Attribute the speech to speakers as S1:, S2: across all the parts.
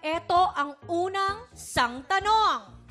S1: Ito ang unang sangtanong.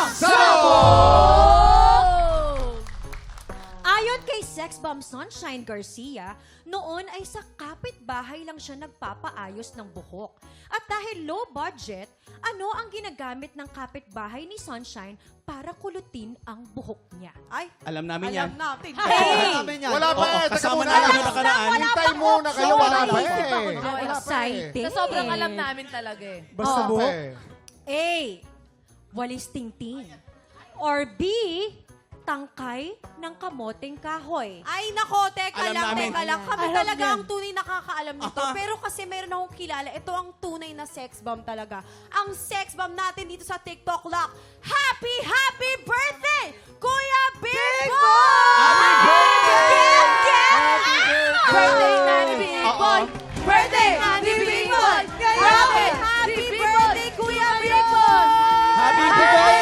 S2: Sasabog!
S1: Ayon kay Sex Bomb Sunshine Garcia, noon ay sa kapitbahay lang siya nagpapaayos ng buhok. At dahil low budget, ano ang ginagamit ng kapitbahay ni Sunshine para kulutin ang buhok niya?
S3: Ay,
S4: Alam namin yan.
S3: alam natin.
S1: Hey!
S2: Wala pa eh. Teka
S4: kasama
S2: muna.
S4: na namin nakaraan.
S2: Hintay muna kayo. Wala pa
S1: Sorry.
S2: eh.
S1: Ako
S2: Wala pa eh.
S1: exciting.
S3: Sa sobrang alam namin talaga eh.
S2: Basta
S1: Oh.
S2: buhok.
S1: A. Walis tingting. Or B. Tangkay ng kamoteng kahoy.
S3: Ay, nako, teka
S4: Alam
S3: lang,
S4: namin.
S3: teka lang. Kami
S1: Alam
S3: talaga
S1: yan.
S3: ang tunay nakakaalam nito. Pero kasi meron akong kilala, ito ang tunay na sex bomb talaga. Ang sex bomb natin dito sa TikTok Lock. Happy, happy birthday, Kuya Big Boy!
S4: Happy birthday!
S3: Birthday na ni Big Boy! Birthday na ni Big Boy! Grabe! Happy birthday, Kuya Big Boy!
S4: Happy
S3: birthday!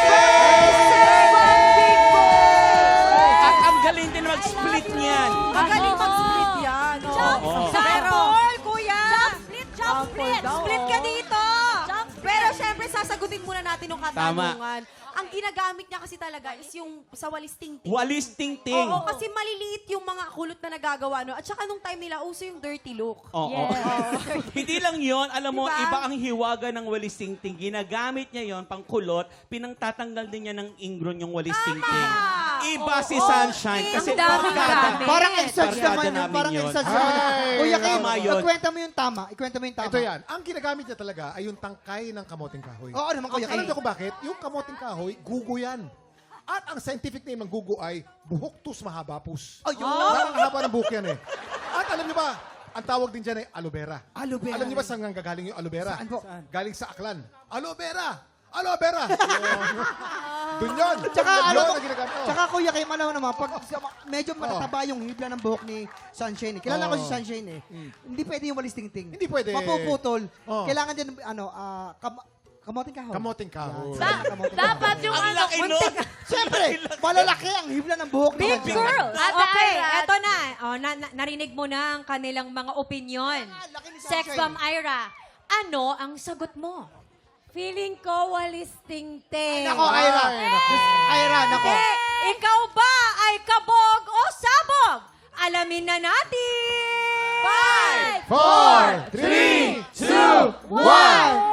S4: At ang galing din mag-split niyan.
S3: Magaling mag-split yan.
S4: Oo.
S1: Sample, kuya!
S3: Jump split!
S1: Split ka dito!
S3: Pero syempre, sasagutin muna natin yung katanungan. Ang ginagamit niya kasi talaga is yung sa walis tingting.
S4: Walis ting-ting.
S3: Oo, kasi maliliit yung mga kulot na nagagawa. No? At saka nung time nila, uso yung dirty look.
S4: Oo. Hindi lang yon, alam mo,
S3: Diba?
S4: iba ang hiwaga ng walis ting-ting. Ginagamit niya yon pang kulot, pinangtatanggal din niya ng ingron yung walis ting-ting. Iba si Sunshine kasi
S1: Ang daming
S4: barkada.
S1: gamit.
S5: Parang exercise
S4: Barkada
S5: naman yun.
S4: namin
S5: Parang
S4: yun.
S5: exercise naman yun.
S2: Ay,
S5: Kuya Kim,
S4: tama yun.
S5: ikwenta mo yung tama. Ikwenta mo yung tama.
S2: Ito yan. Ang ginagamit niya talaga ay yung tangkay ng kamoting kahoy.
S5: Oo naman, Kuya
S2: Alam
S5: Kim.
S2: niyo kung bakit? Yung kamoting kahoy, gugo yan. At ang scientific name ng gugo ay buhoktus mahabapus.
S5: Ayun.
S2: Nakakahaba ng buhok yan eh. At alam niyo ba, ang tawag din dyan ay aloe vera.
S5: Aloe vera.
S2: Alam niyo ba saan gagaling yung aloe vera?
S5: Saan po?
S2: Galing sa aklan. Aloe vera! Aloe vera! Doon yun.
S5: Tsaka
S2: Yun
S5: ano,
S2: ang ginagamit. Oh.
S5: tsaka Kuya Kim, alam mo naman, pag medyo matataba yung hibla ng buhok ni Sunshine. Kilala ko si Sunshine eh. Hindi pwede yung walis tingting.
S2: Hindi pwede.
S5: Mapuputol.
S2: Oh.
S5: Kailangan din, kamoting kahoy.
S2: Kamoting kahoy.
S3: Dapat yung
S4: Ang laki nun.
S5: Siyempre, malalaki ang hibla ng buhok ni
S1: Big
S5: Sunshine.
S1: girls!
S3: Ate
S1: Okay,
S3: Ira.
S1: eto na. Oh, narinig mo na ang kanilang mga opinion.
S5: Laki ni
S1: Sex
S5: Sunshine.
S1: Bomb Ira, ano ang sagot mo?
S3: Feeling ko walis tingting.
S5: Nako, Ira. Ira, nako.
S1: Ikaw ba ay kabog o sabog? Alamin na natin!
S2: 4, 3, 2, 1!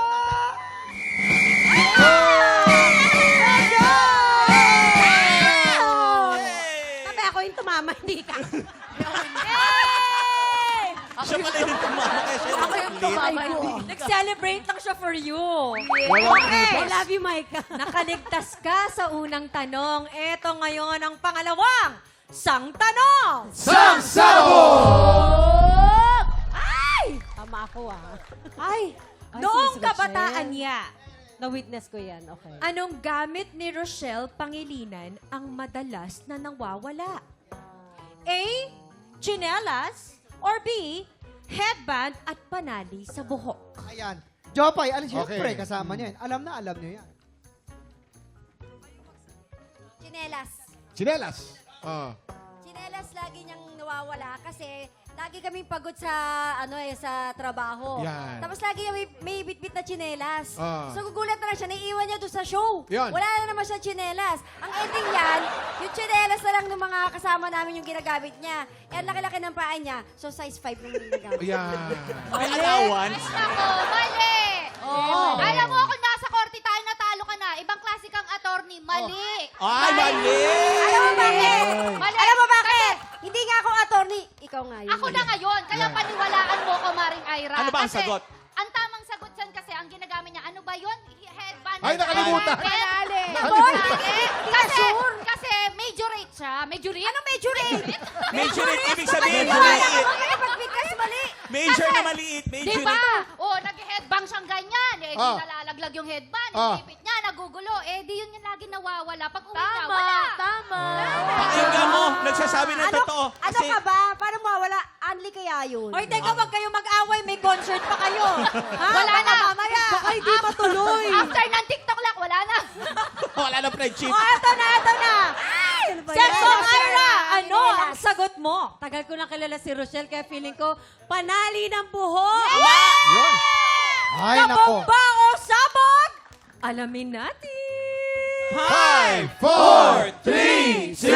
S1: Sabi ako yung tumama, hindi ka.
S4: Siya pala yung tumama kaya siya
S3: Ako yung tumama.
S1: Nag-celebrate lang siya for you.
S3: Okay. I love you, Micah.
S1: Nakaligtas ka sa unang tanong. Eto ngayon ang pangalawang sangtanong.
S2: Sasabog!
S1: Ay!
S3: Tama ako ah.
S1: Ay!
S3: Ay,
S1: Noong
S3: sinasagot
S1: kabataan
S3: siya
S1: niya,
S3: Na-witness ko yan, okay.
S1: anong gamit ni Rochelle Pangilinan ang madalas na nawawala? A. Chinelas or B. Headband at panali sa buhok.
S5: Ayan. Jopay, alam
S2: Okay.
S5: siyempre, kasama niya yan. Alam niyo yan.
S6: Chinelas.
S2: Chinelas. Ah.
S6: Chinelas lagi niyang nawawala kasi lagi kaming pagod sa sa trabaho.
S2: Yan.
S6: Tapos lagi may bitbit na chinelas.
S2: Ah.
S6: So gugulat na lang siya, naiiwan niya doon sa show.
S2: Yan.
S6: Wala na naman siya chinelas. Ang ending yan, yung chinelas na lang ng mga kasama namin yung ginagamit niya. Eh, ang laki-laki ng paa niya. So size 5 yung ginagamit.
S2: Yan.
S4: May allowance.
S7: Ako, mali!
S6: Oo.
S7: Alam mo, kung nasa korte tayo, natalo ka na. Ibang klase kang attorney. Mali!
S4: Ay, mali!
S6: Alam mo bakit?
S7: Mali!
S6: Alam mo bakit? Hindi nga ako attorney. Ikaw nga yun.
S7: Ako na ngayon, kaya
S2: Yeah.
S7: paniwalaan mo ko, Maring Ira.
S4: Ano ba ang
S7: Kasi
S4: sagot?
S7: Ang tamang sagot dyan kasi, ang ginagamit niya, ano ba yun? Headband.
S2: Ay, nakalimutan.
S7: Panali. Kasi majorate siya. Majorate? Ano majorate?
S4: Majorate, ibig sabihin,
S6: Wala
S4: maliit.
S6: ka makikipag-bigkas, mali.
S4: Major na maliit.
S7: Di
S4: Major
S7: ba?
S4: na...
S7: O, nag-headbang siyang ganyan. Eh, di
S2: Ah.
S7: nalalaglag yung headband.
S2: Ah.
S7: Ipit niya, nagugulo. Eh, di yun yung lagi nawawala. Pag uwi niya,
S3: Tama,
S7: wala.
S3: tama.
S4: Pakinggan mo, nagsasabi ng totoo.
S6: Ano
S4: Kasi
S6: ka ba? Paano mawawala? Anli kaya yun?
S1: Oy, teka, wag kayo mag-away. May concert pa kayo. Ha?
S7: Wala
S1: Baka
S7: na.
S1: mamaya.
S3: Baka hindi matuloy.
S7: After ng TikTok lock, wala na.
S4: wala na friendship.
S1: Oh, eto na, eto na. Sex Bomb Ira, ano
S6: Chinelas.
S1: ang sagot mo?
S3: Tagal ko na kilala si Rochelle, kaya feeling ko, panali ng buhok.
S5: Ay, nako.
S1: Kabog ba Alamin natin.
S2: 5, 4, 3, 2,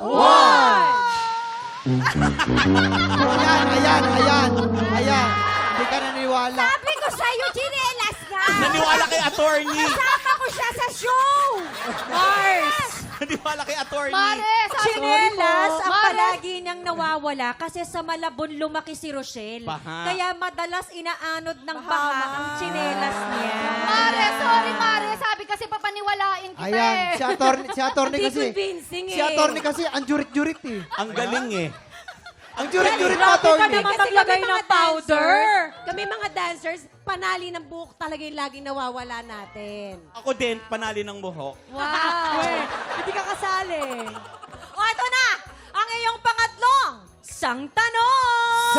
S2: 1.
S5: Ayan. Hindi ka naniniwala.
S6: Sabi ko sa'yo, chinelas nga!
S4: Naniwala kay attorney.
S6: Kasama ko siya sa show!
S1: Mars!
S4: Naniwala kay attorney.
S7: Mare, sabi
S1: Chinelas ang
S7: Mare,
S1: palagi niyang nawawala kasi sa Malabon lumaki si Rochelle.
S4: Baha.
S1: Kaya madalas inaanod ng baha ang chinelas niya.
S7: Mare, sorry, Mare. Sabi kasi papaniwalain kita
S5: Ayan,
S7: eh.
S5: si attorney
S6: Hindi
S5: kasi.
S6: convincing
S5: Si attorney kasi, ang jurit-jurit eh.
S4: Ang galing eh.
S5: Ang jurit-jurit mo,
S1: Grabe ka
S5: attorney.
S1: naman maglagay ng powder.
S8: Kami mga dancers, panali ng buhok talaga yung laging nawawala natin.
S4: Ako din, panali ng buhok.
S8: Wow! Hindi ka kasali.
S1: O, ito na! Ang iyong pangatlong sang tanong!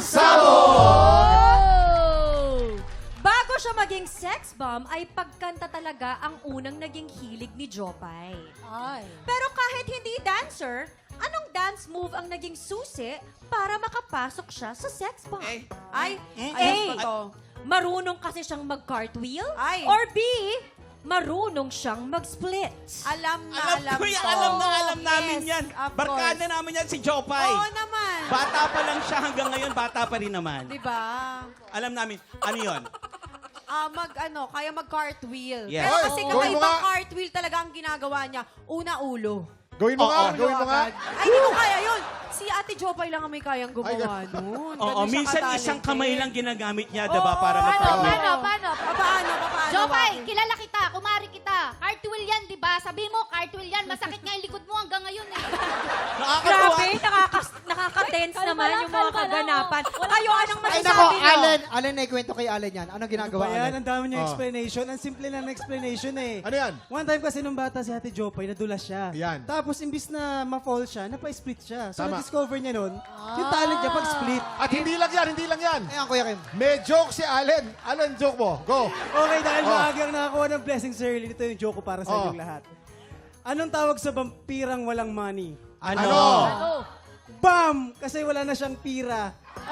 S1: Bago siya maging sex bomb, ay pagkanta talaga ang unang naging hilig ni Jopay.
S8: Ay.
S1: Pero kahit hindi dancer, anong dance move ang naging susi para makapasok siya sa sex bomb?
S3: Ay,
S1: A. Marunong kasi siyang mag-cartwheel?
S3: Ay.
S1: Or B. Marunong siyang mag-split?
S3: alam
S4: Alam ko yan,
S3: ko.
S4: alam namin
S3: Yes,
S4: yan.
S3: of
S4: Barkada
S3: course.
S4: namin yan si Jopay.
S3: Oo naman.
S4: Bata pa lang siya hanggang ngayon, bata pa rin naman.
S3: Di ba?
S4: Alam namin, ano yun?
S3: Kaya mag-cartwheel.
S4: Yes.
S3: Pero kasi
S2: Oy, gawin mo
S3: kakaibang
S2: nga.
S3: cartwheel talaga ang ginagawa niya. Una, ulo.
S2: Gawin mo nga, gawin mo nga.
S3: Ay, hindi ko kaya yun. Si Ate Jopay lang ang may kayang gumawa nun.
S4: Oo,
S3: Ganun siya
S4: minsan
S3: ka-talented.
S4: isang kamay lang ginagamit niya, diba,
S3: Oo,
S4: para
S7: Paano,
S4: mag-cartwheel.
S7: paano?
S3: Paano?
S7: Jopay, kilala kita, kumari kita. Cartwheel yan, di ba? Sabi mo, cartwheel yan. Masakit nga yung likod mo hanggang ngayon eh.
S4: Nakakatuwa.
S1: Grabe, nakaka-tense naman yung mga kaganapan. Kayo, anong
S5: Ay,
S1: masasabi
S5: nako,
S1: niyo?
S5: Allen, naikwento kay Allen yan. Anong ginagawa,
S9: Ayan,
S5: Allen?
S9: ang dami niya
S2: Oh.
S9: explanation. Ang simple lang na explanation eh.
S2: Ano yan?
S9: One time kasi nung bata si Ate Jopay, nadulas siya.
S2: Yan.
S9: Tapos imbis na ma-fall siya, napa-split siya. So
S2: Tama.
S9: na-discover niya nun, yung talent niya pag-split.
S2: At hindi lang yan.
S5: Ayan, Kuya Kim.
S2: May joke si Allen. Allen, joke mo. Go.
S9: Okay, dahil
S2: Oh.
S9: maaga ang nakakuha ng blessings early, ito yung joke ko para sa
S2: Oh.
S9: inyong lahat. Anong tawag sa vampirang walang money?
S2: Ano?
S9: Bam! Kasi wala na siyang pira.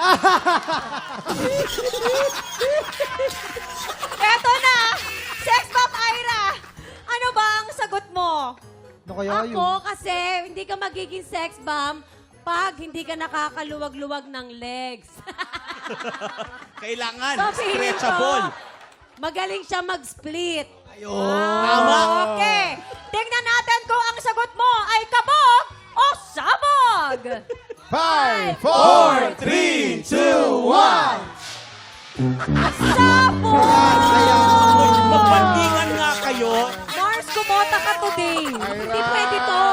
S1: Eto na! Sex bomb Ira! Ano ba ang sagot mo?
S5: Ano kaya yun?
S8: Ako kasi hindi ka magiging sex bomb pag hindi ka nakakaluwag-luwag ng legs.
S4: Kailangan,
S8: So, feeling
S4: stretchable.
S8: ko, magaling siya mag-split.
S4: Tama.
S1: Okay. Tingnan natin kung ang sagot mo ay kabog o sabog!
S2: 5, 4, 3, 2, 1.
S1: Sabog!
S4: Magpandingan nga kayo.
S1: Mars, kumota ka today.
S2: Ira.
S1: Hindi pwede to.